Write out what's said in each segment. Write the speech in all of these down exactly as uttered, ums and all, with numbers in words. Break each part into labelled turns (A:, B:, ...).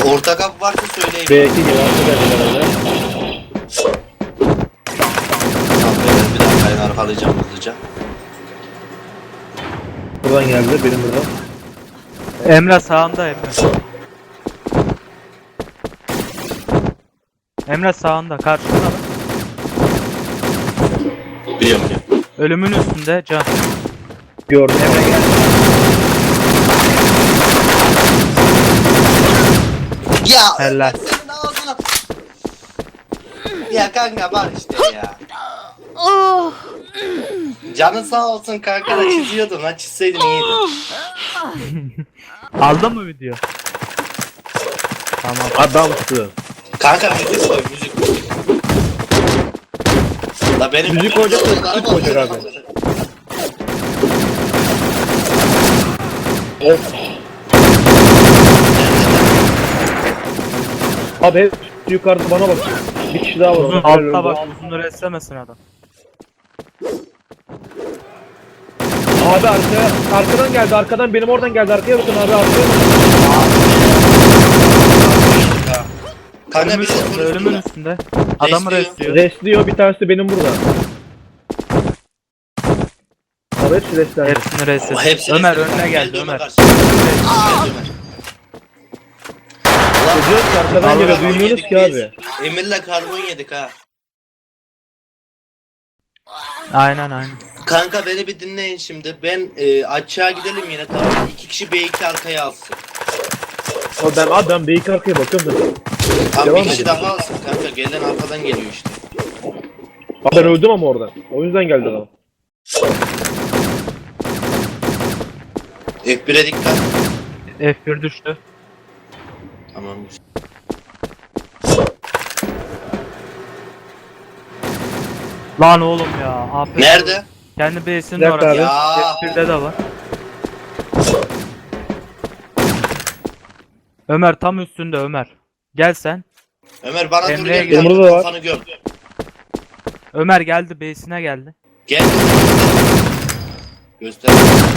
A: Orta kapı varsa söyleyin.
B: B iki gibi arkadaşlar herhalde.
A: Tamam beyler, bir dakika ben arkalayacağım hızlıca.
B: Buradan geldi benim buradan.
C: Emre sağında Emre. Emre sağında karşında.
A: Biliyorum biliyorum.
C: Ölümün üstünde can.
B: Gördüm.
C: Emre gel.
A: Ya
C: Helal.
A: senin ağzına. Ya kanka var işte ya. Canın sağ olsun kanka da çiziyordun lan, çizseydin iyiydi.
C: Aldın mı video? Tamam.
B: Adamsın.
A: Kanka müzik koy müzik. La benim
B: Müzik koyacak da müzik koyacak abi. Of. Abi hep yukarıda bana bak. Bir kişi daha var.
C: Uzun altta bak, uzun reslemesin adam.
B: Abi arkaya, arkadan geldi, arkadan benim oradan geldi, arkaya bakın abi, arkaya bakın.
A: Kanka
C: Ölümün
A: bir şey
C: üstünde, ölümün üstünde. Adamı
A: Resliyor.
C: resliyor.
B: Restliyor, bir tanesi de benim burada. Abi hepsi restler.
C: Hepsini resliyor.
A: Hepsi
C: Ömer
A: resmi.
C: önüne geldi
A: Ömer
C: Ömer.
A: karşıya. Geldi Ömer.
B: Diyoruz ki arkadan
A: Karbon
B: geliyor, duymuyoruz
A: yedik
B: ki
A: biz.
B: abi.
A: Emir'le karbon yedik ha.
C: Aynen aynen.
A: Kanka beni bir dinleyin şimdi. Ben e, aşağı gidelim yine, tamam mı? İki kişi B iki arkaya alsın.
B: Abi ben, abi ben B iki arkaya bakıyorum zaten.
A: Tam
B: Devam
A: bir kişi
B: edin.
A: daha alsın kanka. Gelen arkadan geliyor işte.
B: Abi ben öldüm ama orada. O yüzden geldi adam.
A: F bire dikkat.
C: F bir düştü.
A: Tamam.
C: Lan oğlum ya. Aferin.
A: Nerede?
C: Kendi base'inin
B: Nerede
C: orası.
B: abi?
A: Ya.
C: F birde de var. Ömer tam üstünde Ömer. Gel sen.
A: Ömer bana dur
C: Emre'ye
A: gel.
B: gel. Burada da var.
A: Kafanı gör.
C: Ömer geldi, base'ine geldi.
A: Gel. Göster.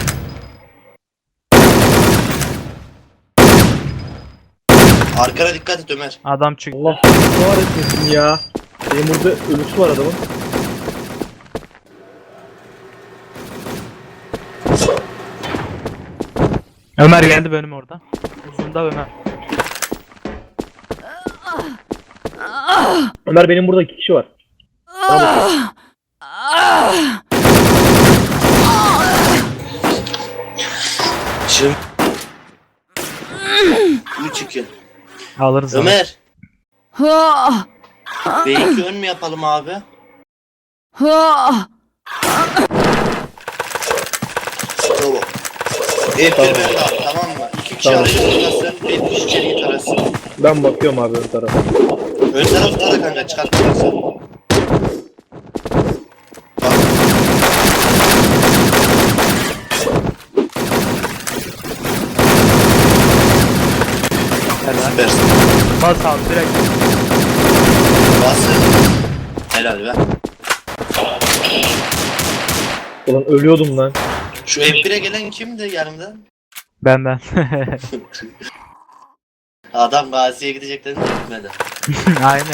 A: Arkana dikkat et Ömer.
C: Adam çıktı.
B: Allah ne var etmesin ya. Benim burada ölüsü var adamın.
C: Ömer geldi benim orada. Uzunda Ömer.
B: Ömer benim burada iki kişi var. Bana bakın.
A: Şimdi. üç iki.
C: Alırız onu.
A: Ömer. B iki ön mü yapalım abi? Tamam. F bir
B: Tamam.
A: ben de abi, tamam mı? İki kişi
B: Tamam.
A: arayı tutasın, bir kişi içeriği tarasın.
B: Ben bakıyorum abi ön tarafa.
A: Ön taraf tara kanka, çıkartmazsın. Bak.
C: Helal.
A: Süpersin.
C: Bas abi direkt.
A: Bası. Helal be.
B: Ulan ölüyordum lan.
A: Şu F bire gelen kimdi yanımda?
C: Ben ben.
A: Adam Gazi'ye gideceklerini de gitmedi.
C: Aynen.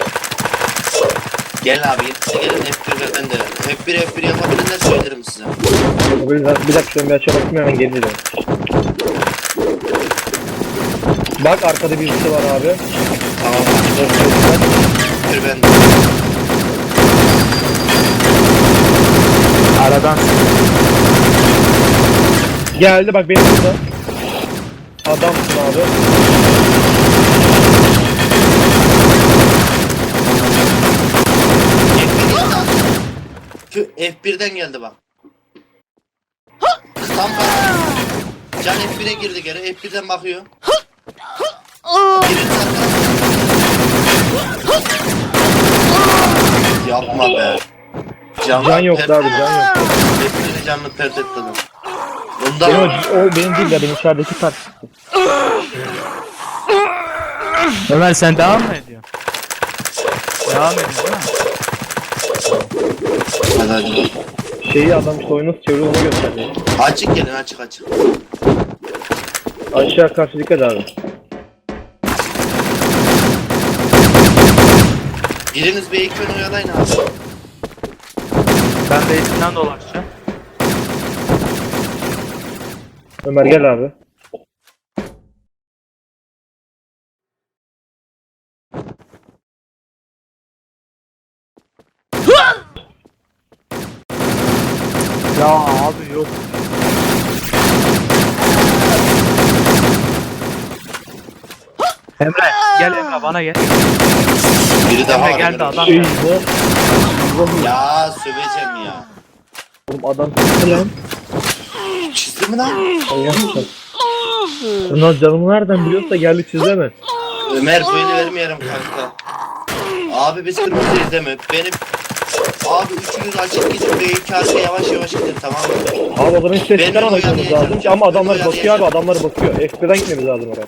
A: Gelin abi, yetişse gelin F bir ve ben de. F bir F bir yapabilirler söylerim size.
B: Bir dakika, bir dakika şöyle bir açığa bakayım hemen geri dönüyorum. Bak arkada birisi var abi.
A: Tamam abi. F bir ben de.
C: Aradan.
B: Geldi bak benim burada. Adamsın abi.
A: F F birden geldi bak. Tam bak. Can F bire girdi geri. F birden bakıyor. Birinci zaten. Yapma be. Can,
B: Can yoktu abi, can yoktu.
A: F birin canını pert etti adam.
B: Benim
A: Ondan
B: o, o benim değil de benim içerideki kart.
C: Ömer sen devam mı ediyorsun? Devam ediyorsun değil mi?
A: hadi hadi.
B: Şeyi adam işte oyunu nasıl çeviriyor onu gösterdi.
A: Açık gelin, açık açık.
B: Aşağı karşı dikkat abi.
A: Biriniz B iki oyalayın abi.
C: Ben de içinden dolaşacağım.
B: Ömer gel abi.
C: Ya abi yok. Emre gel Emre bana gel.
A: Biri daha
C: Emre
A: var.
C: geldi
A: Emre.
C: adam
B: Eyvah.
C: geldi.
B: Eyvah.
A: Ya söveceğim ya.
B: Oğlum adam çıktı lan.
A: Çizdi mi lan?
B: Manyak mısın? Bunlar canımı nereden biliyorsa geldi çizemez.
A: Ömer böyle vermeyelim kanka. Abi biz kırmızıyız değil mi? Benim abi üçünüz açık gidin B iki arkaya yavaş yavaş gidin, tamam mı?
B: Abi o zaman hiç ses
A: Benim
B: çıkarmamak
A: oyalayacağım.
B: lazım ki ama adamlar
A: Benim
B: bakıyor abi,
A: oyalayacağım.
B: adamlar bakıyor. F bir'den gitmemiz lazım oraya.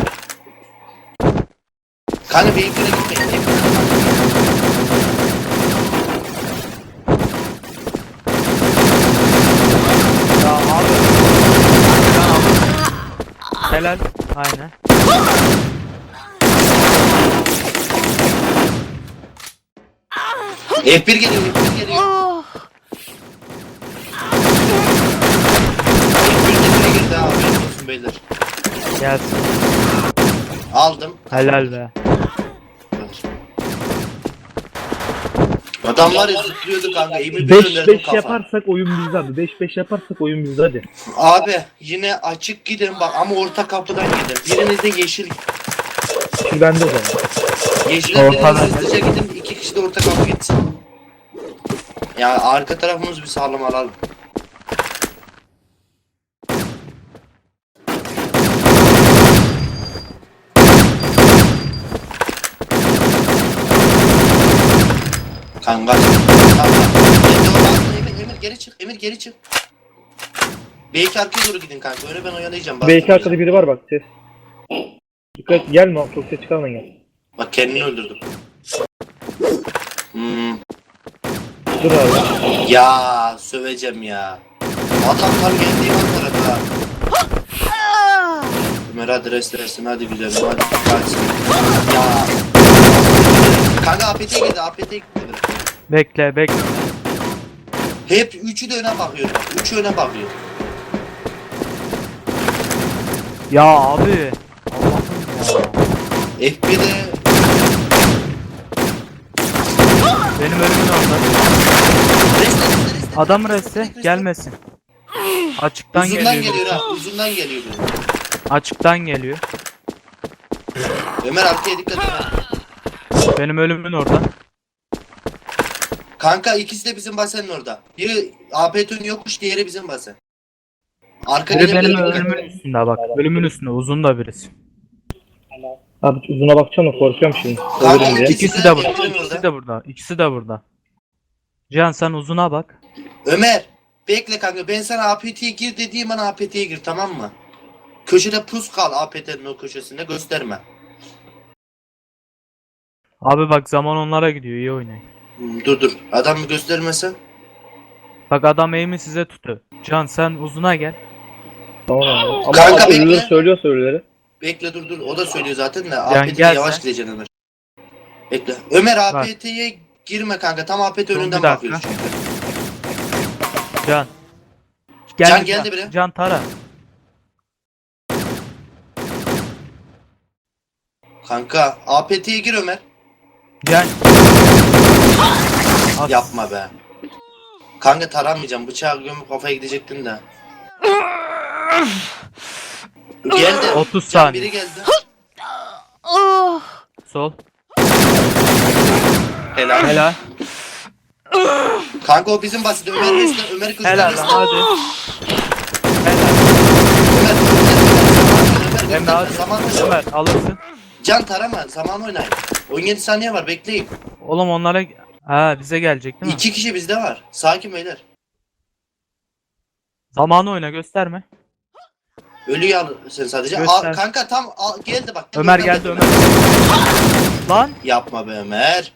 A: Kanka B iki'ne gitmeyin. Hep
C: Ya abi. Ya abi. Helal. Aynen.
A: F bir geliyor, F bir geliyor. F bir de girdi abi, benim olsun beyler.
C: Gelsin.
A: Aldım.
C: Helal be.
A: Adam var ya zıplıyordu kanka, iyi bir
B: beş
A: gönderdim
B: beş
A: kafa.
B: yaparsak oyun bizde abi. beş beş yaparsak oyun bizde hadi.
A: Abi yine açık gidin bak ama orta kapıdan gidin. Biriniz de yeşil.
B: Şimdi bende o zaman.
A: Yeşile biriniz
C: Ortadan.
A: hızlıca gidin, iki kişi de orta kapı gitsin. Ya arka tarafımız bir sağlam alalım. Kanka. Kanka. Emir, Emir geri çık. Emir geri çık. B iki arkaya doğru gidin kanka. Öyle ben oyalayacağım.
B: B iki arkada biri var bak ses. Dikkat gelme abi, çok ses çıkarma gel.
A: Bak kendini öldürdüm. Hmm.
B: Dur abi.
A: Ya söveceğim ya. Adam tam geldiğim an tarafa. Ömer hadi restlesin, hadi güzelim, hadi kaçsın. Ya. Kanka A P T'ye girdi, A P T'ye girdi.
C: Bekle bekle.
A: Hep üçü de öne bakıyor. Üçü öne bakıyor.
C: Ya abi. Allah'ım ya.
A: F bir'de
C: Benim ölümün orada.
A: reste reste reste.
C: Adam reste gelmesin. Açıktan
A: Uzundan
C: geliyor.
A: geliyor ha, uzundan geliyor.
C: Açıktan geliyor.
A: Ömer arkaya dikkat et. ha.
C: Benim ölümün orada.
A: Kanka ikisi de bizim basenin orada. Biri A P T'nin yokmuş, diğeri bizim basen. Arka
C: Biri benim
A: gelebilir.
C: ölümün üstünde bak. Ölümün üstünde uzun da birisi.
B: Abi uzuna bakacağım da korkuyorum şimdi.
A: Kanka,
B: Ölürüm diye.
A: ikisi
C: İkisi
A: de
C: de burada.
A: bekliyorum
C: İkisi
A: orada.
C: de burada. İkisi de burada. Cihan sen uzuna bak.
A: Ömer bekle kanka, ben sana A P T'ye gir dediğim an A P T'ye gir, tamam mı? Köşede pus kal, A P T'nin o köşesinde gösterme.
C: Abi bak zaman onlara gidiyor. İyi oynayın.
A: Hmm, dur dur, adam mı göstermese?
C: Bak adam aim'i size tutuyor. Can sen uzuna gel.
B: Tamam abi. Ama
A: Kanka,
B: abi
A: bekle.
B: ölüleri söylüyor söyleleri.
A: Bekle dur dur, o da söylüyor zaten de
C: Yani
A: A P T'ye
C: gel
A: yavaş
C: sen.
A: gideceksin Ömer. Bekle. Ömer A
C: Bak.
A: P T'ye girme kanka, tam A P T
C: Dur,
A: önünden
C: bir dakika.
A: bakıyoruz çünkü.
C: Can.
A: Can geldi bile.
C: Can tara.
A: Kanka A P T'ye gir Ömer.
C: Can. As-
A: Yapma be. Kanka taramayacağım, bıçağı gömüp kafaya gidecektin de. Geldi.
C: otuz
A: Can,
C: saniye.
A: biri geldi.
C: Sol.
A: Helal.
C: Helal.
A: Kanka o bizim basit. Ömer Resler, Ömer kızlar
C: Helal
A: Resler.
C: lan hadi. Helal.
A: Ömer, Ömer, Ömer,
C: Emre hadi.
A: zaman
C: Ömer alırsın.
A: Can tarama, zaman oynayın. on yedi saniye var, bekleyin.
C: Oğlum onlara... Ha bize gelecek değil mi?
A: İki kişi bizde var. Sakin beyler.
C: Zamanı oyna gösterme.
A: Ölüyü al sen sadece.
C: Göster.
A: Al, kanka tam al, geldi bak.
C: Ömer
A: Oradan
C: geldi
A: da-
C: Ömer. Lan.
A: Yapma be Ömer.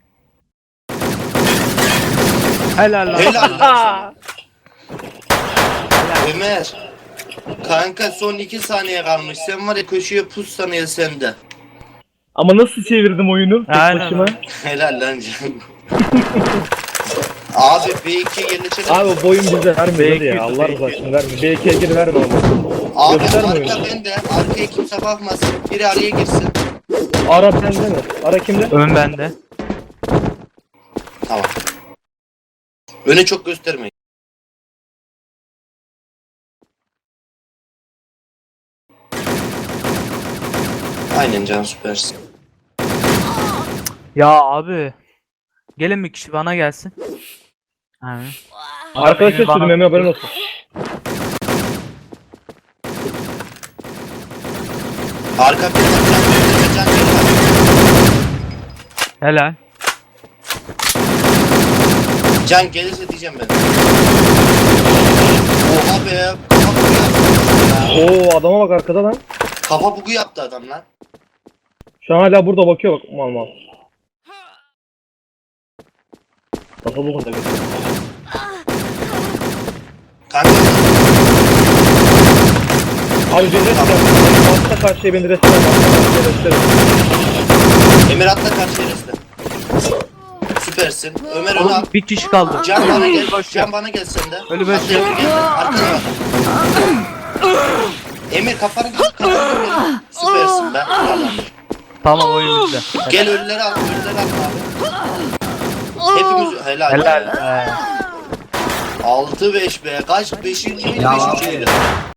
C: Helal lan.
A: Helal lan sana.
C: Helal.
A: Ömer. Kanka son iki saniye kalmış. Sen var ya köşeye pus sanıyor sende.
B: Ama nasıl çevirdim oyunu tek
C: Aynen
B: başıma.
C: öyle.
A: Helal lan canım. Abi B ikiye yerleşelim.
B: Abi bu oyun bize vermiyor
C: B
B: hadi
C: iki,
B: ya. Allah
C: B
B: razı
C: iki.
B: olsun vermiyor. B ikiye gir verme ama.
A: Abi
B: Gösterme
A: arka
B: oyunu.
A: bende. Arkaya kimse bakmasın. Biri araya girsin.
B: Ara bende mi? Ara kimde?
C: Ön bende.
A: Tamam. Öne çok göstermeyin. Aynen can süpersin.
C: Ya abi. Gelin bir kişi bana gelsin. Ha.
B: Arkadaşlar
C: Beni bana-
B: sürüm Emre haberin olsun.
A: Arka bir can can can.
C: Helal.
A: Can gelirse diyeceğim ben. Oha be. Kafa bugu yaptı. Ya.
B: Oo adama bak arkada lan.
A: Kafa bugu yaptı adam lan.
B: Şu an hala burada bakıyor bak mal mal. Kafa bu kadar.
A: Kanka
B: Abi bir rest yap. Altta karşıya beni rest yap. Altta karşıya rest yap.
A: Emir atla karşı yereste. Süpersin. Ömer onu al.
C: Oğlum bir kişi kaldı.
A: Can bana gel. Can bana gel sen de.
C: Ölü beş.
A: Atla Emir gel. Arkana bak. Emir kafanı kafanı gel. Süpersin be. Tamam.
C: Tamam oyun bizde.
A: Gel ölüleri al. Ölüleri al abi. Hepimiz helal.
C: Helal.
A: be.
C: Ee,
A: altı beş be. Kaç? beşinci miydi?
D: Ya
A: beşinci miydi?